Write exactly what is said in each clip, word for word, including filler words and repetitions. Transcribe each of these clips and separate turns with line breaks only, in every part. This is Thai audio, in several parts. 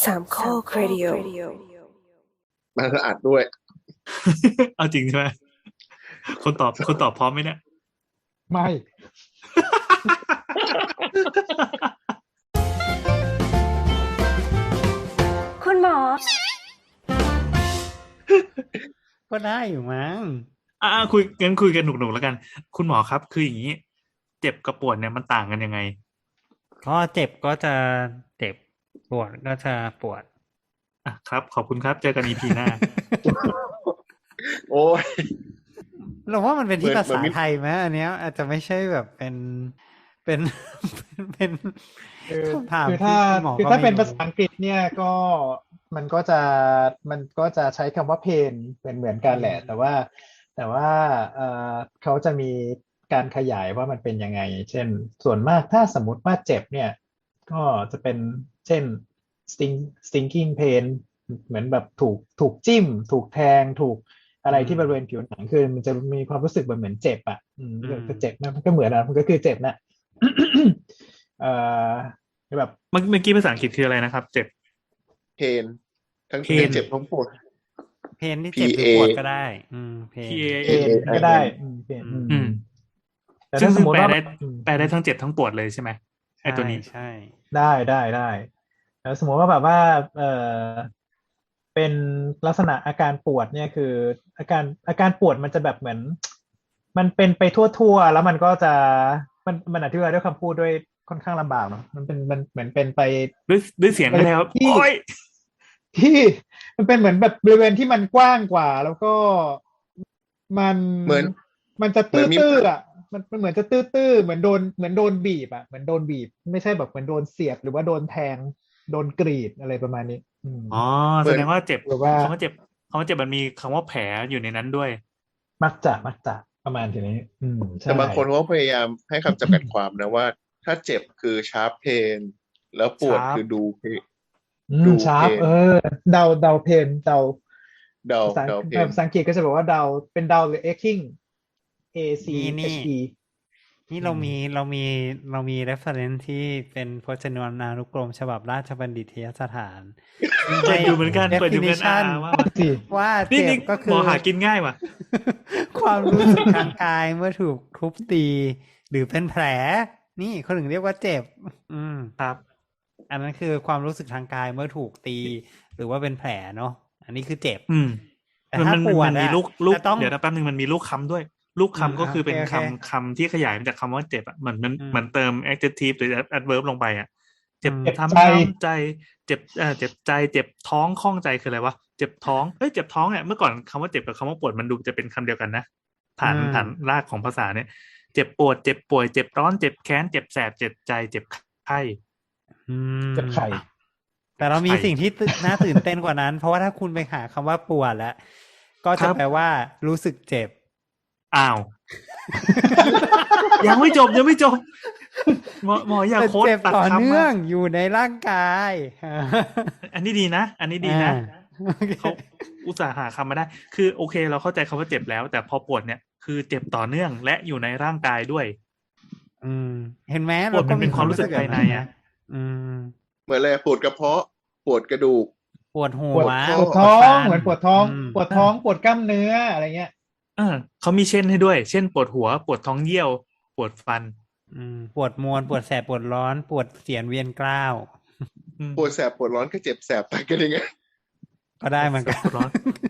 สามข้อครดิโอ
มันก็อัดด้วย
เอาจริงใช่ไหมคนตอบคนตอบพร้อมไหมเนี่ย
ไม่
คุณหมอ
ก็ได้อยู่มั้ง
อ่าคุยงั้นคุยกันหนุกๆแล้วกัน คุณหมอครับคืออย่างนี้ เจ็บกับปวดเนี่ยมันต่างกันยังไง
ก็เจ็บก็จะเจ็บปวดก็จะปวด
อ่ะครับ ขอบคุณครับเจอกัน อี พี หน้า
โอ้ย
เราว่ามันเป็นที่
เหมือน
ภาษา
เหมือน
ไทยไหมอันเนี้ยอาจจะไม่ใช่แบบเป็นเป็น เป็น
คือ
คำถาม
คือถ้า
ที่ณหมอ
คือ
ก็
ถ้า
ไม่
เป็น
รู้
ภาษาอังกฤษเนี่ยก็มันก็จะมันก็จะใช้คำว่า pain เป็นเหมือนกันแหละ แต่ว่าแต่ว่าเอ่อเขาจะมีการขยายว่ามันเป็นยังไง เช่นส่วนมากถ้าสมมติว่าเจ็บเนี่ยก็จะเป็นเช่น sting stinging pain เหมือนแบบถูกถูกจิ้ม ถูกแทงถูกอะไรที่บริเวณผิวหนังคือมันจะมีความรู้สึกเหมือนเหมือนเจ็บอ่ะอืมก็เจ็บนะมันก็เหมือนนะมันก็คือเจ็บนะ เอ่อแบบ
เมื่อเมื่อกี้ภาษาอังกฤษคืออะไรนะครับ เจ็บ
เพนทั้ง
เพ
เพ
น
นเจ็บทั้งปวด
เพนที่เจ็บหรือ
P A
ปวดก็ได้ อืมเพน
P A
เพนก็ได้อืมเพนอืม
อืม
แต่
ซึ่
ถ้าง ส
ซึ่
ม
ง
มติ
แปล
ว่า
ได้
อืม
แปลได้ทั้งเจ็บทั้งปวดเลยใช่ไหมไอตัวนี้
ใช่
ได้ได้ได้แล้วสมมติว่าแบบว่าเออเป็นลักษณะอาการปวดเนี่ยคืออาการอาการปวดมันจะแบบเหมือน มันเป็นไปทั่วๆแล้วมันก็จะมันมันอธิบายด้วยคำพูดด้วยค่อนข้างลำบากเนาะมันเป็นมันเหมือนเป็นไป
ด้วยด้วยเสียงก็ได้ครับ
ที่
โอ้ย
ที่มันเป็นเหมือนแบบบริเวณที่มันกว้างกว่า แล้วก็มัน
เหมือน
มันจะ
เหมือนมี
ตื้อๆอ่ะมันมันเหมือนจะตื้อๆเหมือนโดนเหมือนโดนบีบอ่ะเหมือนโดนบีบ ไม่ใช่แบบเหมือนโดนเสียบหรือว่าโดนแทงโดนกรีดอะไรประมาณนี้ อืม
อ๋อแสดงว่าเจ็บ
หรือว่า
คำว่าเจ็บคำว่าเจ็บมันมีคำว่าแผลอยู่ในนั้นด้วย
มักจะมักจะประมาณทีนี้ อืมใช่
แต่บางคนเขาพยายามให้คำจำกัดความนะว่า ถ้าเจ็บคือชาร์ปเพนแล้วปวด
Sharp
คือดูเพน
อื
ดู
มชาร์ป
เพน
เออเดาเดาเพนเดา
เดา
ภาษา
เดาเพน
ภาษาอังกฤษก็จะบอกว่าเดาเป็นเดาหรือ aching A C
นี่
H
นี่
E
นี่เรามีเรามีเรามี reference ที่เป็นพจนานุกรมฉบับราชบัณฑิตยสถาน
เปิดอยู่เหมือนกันเปิดอยู่เหมือนกัน
definition
อ่าว่ามา
สิ
ว่า
นี่
เจ็
นี่
บก็คื
หม
อ
อหากินง่ายว่ะ
ความรู้สึกทางกายเมื่อถูกทุบตี หรือเป็นแผล นี่เขาถึงเรียกว่าเจ็บ อืม
ครับ
อันนั้นคือความรู้สึกทางกายเมื่อถูกตี หรือว่าเป็นแผลเนาะอันนี้คือเจ็บ
อืม
แต่
มัน
ถ้า
มัน
ปวด
มันมี
อะ
ลูกลูก
จะต้อง
เดี๋ยวนะแป๊บนึงมันมีลูกคำด้วย ลูกคำ
อืม
ก็คือเป็น
โอเค
คำ
โอเค
คำที่ขยายมาจากคำว่าเจ็บอ่ะเหมือนมัน
อืม
เหมือนเติม adjective หรือ adverb ลงไปอ่ะ เจ็บ
อืม
เจ็บ
ทำ
ใจ
น้ำใจ เจ็บเอ่อเจ็บใจ เจ็บท้องข้องใจคืออะไรวะ เจ็บท้องเฮ้ยเจ็บท้องเนี่ยเมื่อก่อนคำว่าเจ็บกับคำว่าปวดมันดูจะเป็นคำเดียวกันนะฐาน
อืม
ฐานรากของภาษาเนี่ย เจ็บปวด เจ็บป่วย เจ็บร้อน เจ็บแค้น เจ็บแสบ เจ็บใจ เจ็บไข้
อืม
เจ็บไข่
แต่เรามี
ไข่
สิ่งที่ตื่นน่าตื่นเต้นกว่านั้น เพราะว่าถ้าคุณไปหาคำว่าปวดแล้ว ก็
ค
จะ
รับ
แปลว่ารู้สึกเจ็บ
อ้าว ยังไม่จบยังไม่จบ หมอหมออย่า
เป็น
โค้ด
เจ็บ
ตัด
ต่อ
คำ
เนื่อ
มาง
อยู่ในร่างกาย
อันนี้ดีนะ อันนี้ดีนะ
อ่าโอเค
เขาอุตส่าห์หาคำมาได้ คือโอเค เราเข้าใจคำว่าเจ็บแล้ว แต่พอปวดเนี่ยคือเจ็บต่อเนื่องและอยู่ในร่างกายด้วย
อืม เห็นไหม
ปวดมัน
ก็
เป็นความรู้สึกภายในอะ
อืม
เหมือนอะไรปวดกระเพาะ ปวดกระดูก
ปวดหั
ปว
ว
ดปวดท้อง
ฟั
เหมือนปวดท้อง
อืม
ปวดท้องปวดกล้ามเนื้ออะไรเงี้ย
เออเขามีเช่นให้ด้วย เช่น ปวดหัว ปวดท้องเยี่ยว ปวดฟัน
อืมปวดมวน ปวดแสบ ปวดร้อน ปวดเสียนเวียนกล้าว
อืม
ปวดแสบปวดร้อนก็เจ็บแสบต่างกันยังไง
ก็ได้เหมือนกัน
ปวดร้อน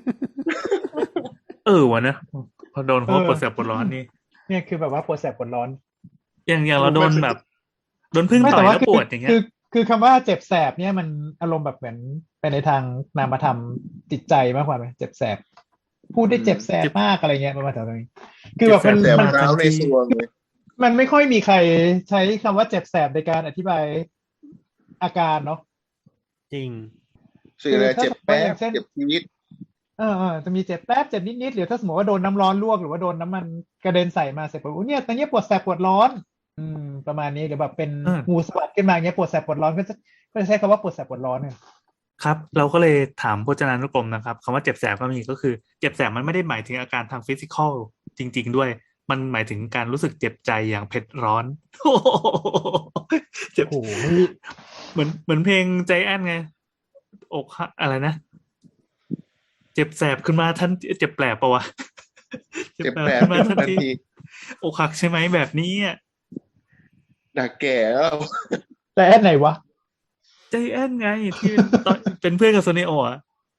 เออวะนะพอโดนเขาว่า
เออ
ปวดแสบปวดร้อนนี่
เนี่ยคือแบบว่าปวดแสบปวดร้อน
อย่างอย่างเราโดนแบบโดนพึ่ง
ไม่
ต่อย
แต่ว่า
แล้ว
คื
ปวดอย่างเงี้
คื
ย
อคือคำว่าเจ็บแสบเนี่ยมันอารมณ์แบบเหมือนไปในทางนามธรรมจิตใจมากกว่าไหมเจ็บแสบ พูดได้เจ็บแสบ
เจ็บ
มากอะไรเงี้ยประมาณแถวนี้คือแบบมัน
เจ็บ
แสบ
มัน
ร้าวในซวงเลย
มันไม่ค่อยมีใครใช้คำว่าเจ็บแสบในการอธิบายอาการเนาะ
จริง
สื่ออะไร
คือถ้า
เจ็บแป๊
อย่าง
บ
เช่น
เจ็บชีวิต
เออเออจะมีเจ็บแป๊บเจ็บนิดๆหรือถ้าสมมติว่าโดนน้ำร้อนลวกหรือว่าโดนน้ำมันกระเด็นใส่มาเสร็จปุ๊บอุ๊ยเนี่ยตอนนี้ปวดแสบปวดร้อน อืม ประมาณนี้หรือแบบเป็น
อืม
งูสวัสดขึ้นมาเงี้ยปวดแสบปวดร้อนก็จะก็จะใช้คำว่าปวดแสบปวดร้อนเนี่ย
ครับ เราก็เลยถามพจนานุกรมนะครับคำว่าเจ็บแสบก็มีก็คือเจ็บแสบมันไม่ได้หมายถึงอาการทางฟิสิกอลจริง ๆ ด้วย มันหมายถึงการรู้สึกเจ็บใจอย่างเผ็ดร้อน เจ็บ
โอ้โห
เหมือนเหมือนเพลงใจแอนไงอกหักอะไรนะเจ็บแสบขึ้นมาทันเจ็บแปลบปะวะ
เจ็บแปล
ขึ้นมา
ขึ้น
ทัน
ทัน
ที
ที
อกหักใช่ไหมแบบนี้อ่ะ
ด่าแก่แล้ว
แต่แอนไหนวะ
ใจแอนไงที่เป็นตอนเป็นเพื่อนกับโซเนโออ่ะ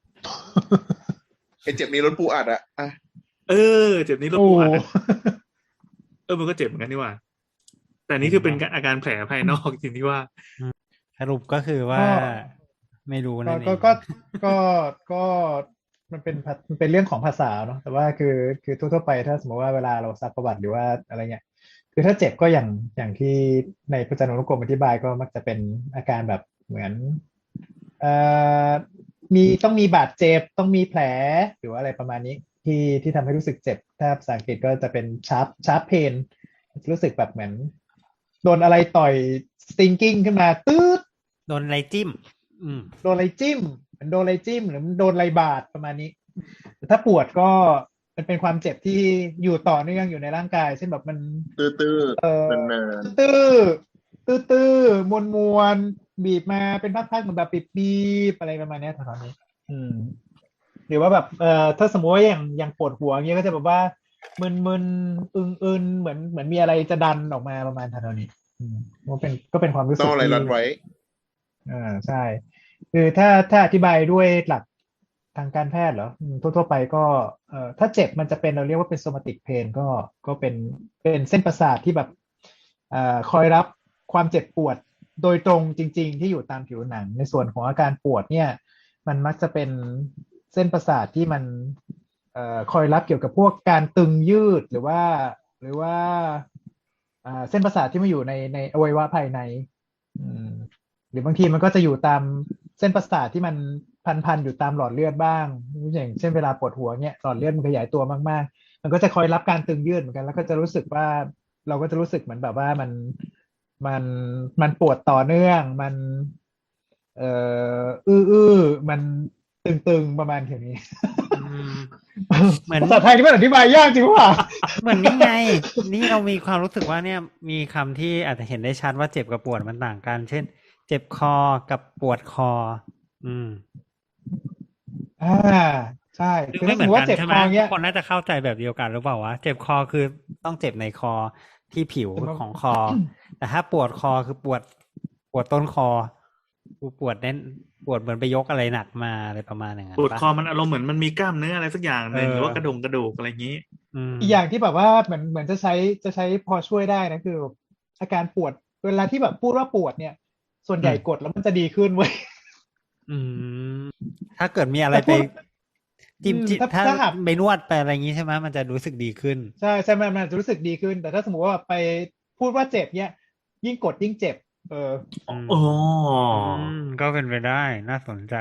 ไอเจ็บนี้รถปูอัดอะอ่ะ
เออเจ็บนี้รถ
โอ้
ปูอัดอะเออมันก็เจ็บเหมือนกันนี่หว่าแต่นี่คือเป็นอาการแผลภายนอกจริงที่ว่า
สรุปก็คือว่าไม่รู้
ก็
นั่นเอ
ก็
ง
ก็ก็ก็มันเป็นภามันเป็นเรื่องของภาษาเนาะแต่ว่าคือคือทั่วๆไปถ้าสมมติว่าเวลาเราซักประวัติหรือว่าอะไรเงี้ยคือถ้าเจ็บก็อย่างอย่างที่ในพจนานุกรมอธิบายก็มักจะเป็นอาการแบบเหมือนเอ่อมีต้องมีบาดเจ็บต้องมีแผลหรือว่าอะไรประมาณนี้ที่ที่ทำให้รู้สึกเจ็บถ้าภาษาอังกฤษก็จะเป็น sharp sharp pain รู้สึกแบบเหมือนโดนอะไรต่อย stinging ขึ้นมาตื๊ด
โดนอะไรจิ้ม อืม
โดนอะไรจิ้มมันโดนอะไรจิ้มหรือมันโดนอะไรบาดประมาณนี้แต่ถ้าปวดก็มันเป็นความเจ็บที่อยู่ต่อเนื่องอยู่ในร่างกายเช่นแบบมัน
ตื้อ
เออ
ๆนาน
ตื้อตื้อตื้อมวนมวนๆบีบมาเป็นพักๆเหมือนแบบบีบๆอะไรประมาณเนี้ยตอนนี้ อืม หรือว่าแบบเอ่อถ้าสมมติว่าอย่างอย่างปวดหัวเงี้ยก็จะแบบว่ามึนๆอึนๆเหมือนเหมือนมีอะไรจะดันออกมาประมาณเท่านี้อืมก็เป็นก็เป็นความรู้
ๆ
สึ
ต้
ก
องอะไร
ที่
รัดไว้
อ่าใช่ คือถ้าถ้าอธิบายด้วยหลักทางการแพทย์เหรออืมทั่วๆไปก็เอ่อถ้าเจ็บมันจะเป็นเราเรียกว่าเป็น somatic pain ก็ก็เป็นเป็นเส้นประสาทที่แบบเอ่อคอยรับความเจ็บปวดโดยตรงจริงๆที่อยู่ตามผิวหนังในส่วนของอาการปวดเนี่ยมันมักจะเป็นเส้นประสาทที่มันเอ่อคอยรับเกี่ยวกับพวกการตึงยืดหรือว่าหรือว่าอ่าเส้นประสาทที่มาอยู่ในในอวัยวะภายในอืม หรือบางทีมันก็จะอยู่ตามเส้นประสาทที่มันพันๆอยู่ตามหลอดเลือดบ้างอย่างเช่นเวลาปวดหัวเนี่ยหลอดเลือดมันขยายตัวมากๆมันก็จะคอยรับการตึงยืดเหมือนกันแล้วก็จะรู้สึกว่าเราก็จะรู้สึกเหมือนแบบว่ามันมันมันปวดต่อเนื่องมันเอ่ออื้อๆมันตึงๆประมาณแค่นี้
อืม เหมือน
ภาษาไทยนี่มันอธิบายยากจริงว่ะ
เหมือนนี่ไง นี่เรามีความรู้สึกว่าเนี่ยมีคำที่อาจจะเห็นได้ชัดว่าเจ็บกับปวดมันต่างกัน เช่น เจ็บคอกับปวดคอ อืม
อ่าใช่
ซึ่ง
คือ
ไม่
ถ้า
เห
ส
มื
ม
อน
มติ
กั
ว่าน เจ็บ
ใช่
ค
ไหม
อ
ทุ
เงี้
ก
ย
คนน่าจะเข้าใจแบบเดียวกันหรือเปล่าวะเจ็บคอคือต้องเจ็บในคอที่ผิว
แต่มัน
ของคอ แต่ถ้าปวดคอคือปวดปวดต้นคอกูปวดเน้นปวดเหมือนไปยกอะไรหนักมาอะไรประมาณอย่างนั้น
ปวด
ปะ
คอมันอารมณ์เหมือนมันมีกล้ามเนื้ออะไรสักอย่างหนึ่ง
เออ
หรือว่ากระดงกระดูกอะไรอย่างนี้
อืม
อีกอย่างที่แบบว่าเหมือนเหมือนจะใช้จะใช้พอช่วยได้นะคืออาการปวดเวลาที่แบบพูดว่าปวดเนี่ย ส่วนใหญ่
อืม
กดแล้วมันจะดีขึ้นเว้ย
อืม ถ้าเกิดมีอะไร
แต่
ไป
พูด
จิ้ม
อืม
จิ้ม
ถ้า
ถ้า
ถ้าหาก
ไปนวดไปอะไรอย่างงี้ใช่ไหมมันจะรู้สึกดีขึ้น
ใช่ใช่มันมันจะรู้สึกดีขึ้น แต่ถ้าสมมติว่าไปพูดว่าเจ็บเนี่ยยิ่งกดยิ่งเจ็บ เออ
อืม
อ๋อ
อืมก็เป็นไปได้น่าสนใจ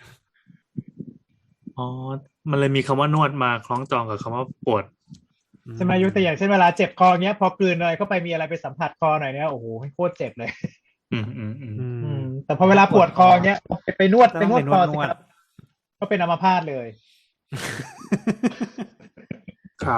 อ๋อมันเลยมีคำว่านวดมาคล้องจองกับคำว่าปวด
ใช่ไหมยกตัวอย่างเช่นเวลาเจ็บคอเนี้ยพอกลืนอะไรเข้าไปมีอะไรไปสัมผัสคอหน่อยเนี่ยโอ้โหโคตรเจ็บเลย
อืมอืมอืม
อื
อื
ม
มแต่พอเวลาปวดคอเนี้ยไปไปนวด
ต้
ไป
อง
นวด
ไปน
คว อ
ด
สิ
นวด
ครับก็เป็นอัมพาตเลย
ครับ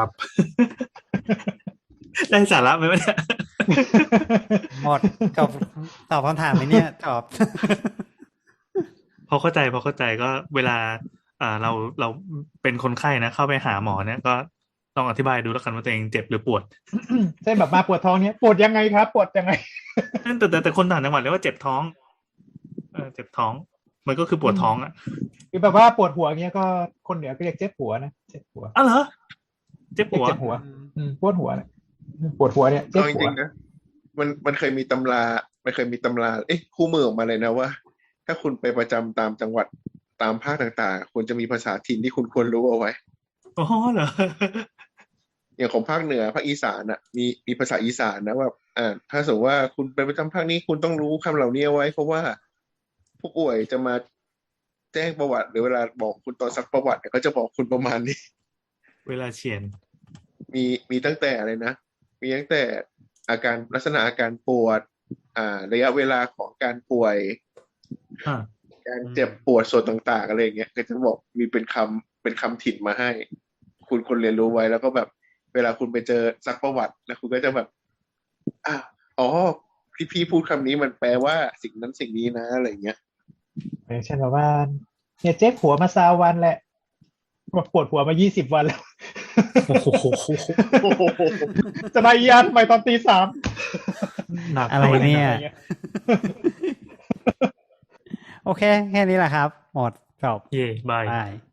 ได้สาระไหมวะเนี่ย
หมดจบตอบคำถามไหมเนี่ยจบ
พอเข้าใจพอเข้าใจก็เวลาอ่าเราเราเป็นคนไข้นะเข้าไปหาหมอเนี่ยก็ต้องอธิบายดูแล้วกันว่าตัวเองเจ็บหรือปวด
เช่นแบบมาปวดท้องเนี้ยปวดยังไงครับ ปวดยังไง
แต่แต่แต่คนต่างจังหวัดเรียกว่าเจ็บท้องเออเจ็บท้อง มันก็คือปวดท้องอ่ะ
คือแบบว่าปวดหัวเงี้ยก็คนเหนือก็เรียกเจ็บหัวนะเจ็บหัว
อ้าวเหรอเจ็บ
เรีย
หั
ก
ว
เจ็บหัว อืมปวดหัวเนี่ยปวดหัวเนี่ยเจ็บ
เอาจ
หัว
ริงๆนะมันมันเคยมีตำรามันเคยมีตำราเอ๊ะคู่มือออกมาเลยนะว่า ถ้าคุณไปประจำตามจังหวัดตามภาคต่างๆคุณจะมีภาษาถิ่นที่คุณควรรู้เอาไว้
อ๋อเหรอ
อย่างของภาคเหนือภาคอีสานอ่ะมีมีภาษาอีสานนะว่าอ่าถ้าสมมติว่าคุณไปประจำภาคนี้คุณต้องรู้คำเหล่านี้เอาไว้ เพราะว่าผู้ป่วยจะมาแจ้งประวัติหรือเวลาบอกคุณตอนซักประวัติเนี่ยเขาจะบอกคุณประมาณนี้
เวลาเฉียน
มีมีตั้งแต่อะไรนะ มีตั้งแต่อาการลักษณะอาการปวด อ่า ระยะเวลาของการป่วย
อ่า
การเจ็บปวดส่วนต่างๆอะไรอย่างเงี้ยก็จะบอกมีเป็นคำเป็นคำถิ่นมาให้ คุณคนเรียนรู้ไว้แล้วก็แบบเวลาคุณไปเจอซักประวัติ แล้วคุณก็จะแบบอ้าวอ๋อพี่พี่พูดคำนี้มันแปลว่าสิ่งนั้นสิ่งนี้นะอะไรอย่างเงี้ย
อย่างเช่นแบบว่าเนี่ยเจ๊กหัวมาซาวันแหละปวดหัวมายี่สิบวันแล้ว
โอ้โห
จะมาอีอันไปตอนตีสาม
หนัก
อะไรเนี่ย
อะไรเงี้ย
โอเค แค่นี้แหละครับ หมดจบ
เย่บาย
บาย